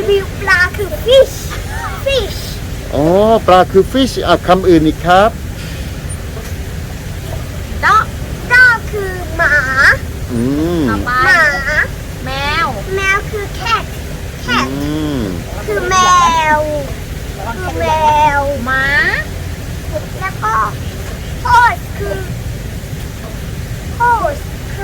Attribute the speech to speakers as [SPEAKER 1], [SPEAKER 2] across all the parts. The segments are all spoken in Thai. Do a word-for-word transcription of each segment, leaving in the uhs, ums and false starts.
[SPEAKER 1] วิวปลาคือ fish fish
[SPEAKER 2] อ๋อปลาคือ fish อ่ะคำอื่นอีกครับ
[SPEAKER 1] dog dog คือหมา
[SPEAKER 2] อืม
[SPEAKER 3] ต่อไป
[SPEAKER 1] หมา
[SPEAKER 3] แมว
[SPEAKER 1] แมวคือ cat cat
[SPEAKER 2] อืม
[SPEAKER 1] คือแมวคือแมว
[SPEAKER 3] หมา
[SPEAKER 1] แล้วก็ horse คือ horse คือ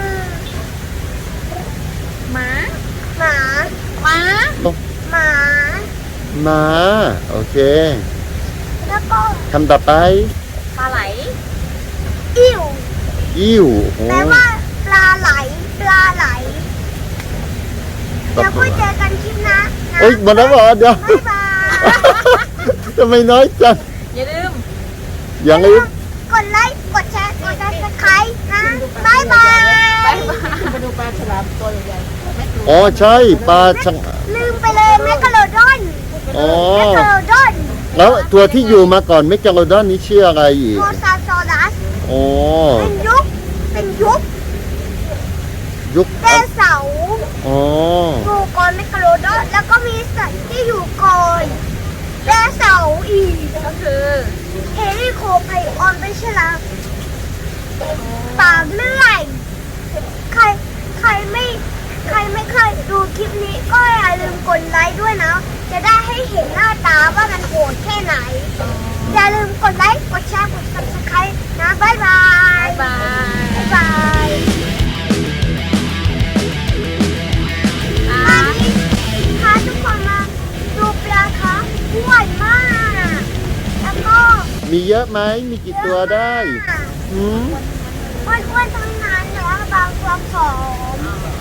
[SPEAKER 3] หมา
[SPEAKER 1] หมา
[SPEAKER 3] หมา
[SPEAKER 1] หมา
[SPEAKER 2] หมาโอเค
[SPEAKER 1] แล้วก็
[SPEAKER 2] คำต่อไป
[SPEAKER 3] ปลาไหล
[SPEAKER 1] อิ่ว
[SPEAKER 2] อิ่วโอ้
[SPEAKER 1] แปลว่าปลาไหลปลาไหลแล้วก็เจอกันคลิปหนะนะ
[SPEAKER 2] เอ้ยหมดแล้วเหรอเดี๋ยว
[SPEAKER 1] บ๊ายบาย
[SPEAKER 2] ทำไมน้อยจัง
[SPEAKER 3] อย่าลืม
[SPEAKER 2] อย่างนี้
[SPEAKER 1] กดไลค์ กดแชร์ กดซับสไครต์นะบ๊ายบาย
[SPEAKER 3] มาดูปลาฉลามตัวใหญ่ๆแม่กลัว
[SPEAKER 2] อ๋อใช่ปลาชัง
[SPEAKER 1] ลืมไปเลยแมคคาโรดอน
[SPEAKER 2] อ๋อ
[SPEAKER 1] แมคคาโรดอน
[SPEAKER 2] แล้วตัวที่อยู่มาก่อนเมกาโลดอนนี้ชื่ออะไรอีก
[SPEAKER 1] โมซาซอรัส
[SPEAKER 2] อ๋อ
[SPEAKER 1] เป็นยุค เป็นยุค
[SPEAKER 2] ยุค
[SPEAKER 1] ไดโนเสาร์
[SPEAKER 2] อ๋อ
[SPEAKER 1] อยู่ก่อนแมคคาโรดอนแล้วก็มีสัตว์ที่อยู่ก่อนไดโนเสาร์อีก
[SPEAKER 3] ก็คือ
[SPEAKER 1] เฮลิโคไพออนเป็นฉลามปากเลื่อย ใคร ใครไม่ ใครไม่เคยดูคลิปนี้ก็อย่าลืมกดไลค์ด้วยนะ จะได้ให้เห็นหน้าตาว่ามันโหดแค่ไหน อย่าลืมกดไลค์ กดแชร์ กด ซับสไครต์ นะ บ๊ายบาย
[SPEAKER 3] บาย
[SPEAKER 1] บ๊ายบายวันนี้พาทุกคนมาดูปลาคะอ้วนมาก แล้วก็
[SPEAKER 2] มีเยอะไหมมีกี่ตัวได้หืม
[SPEAKER 1] อ้วนๆทั้งนั้นแล้วบางตัวผอม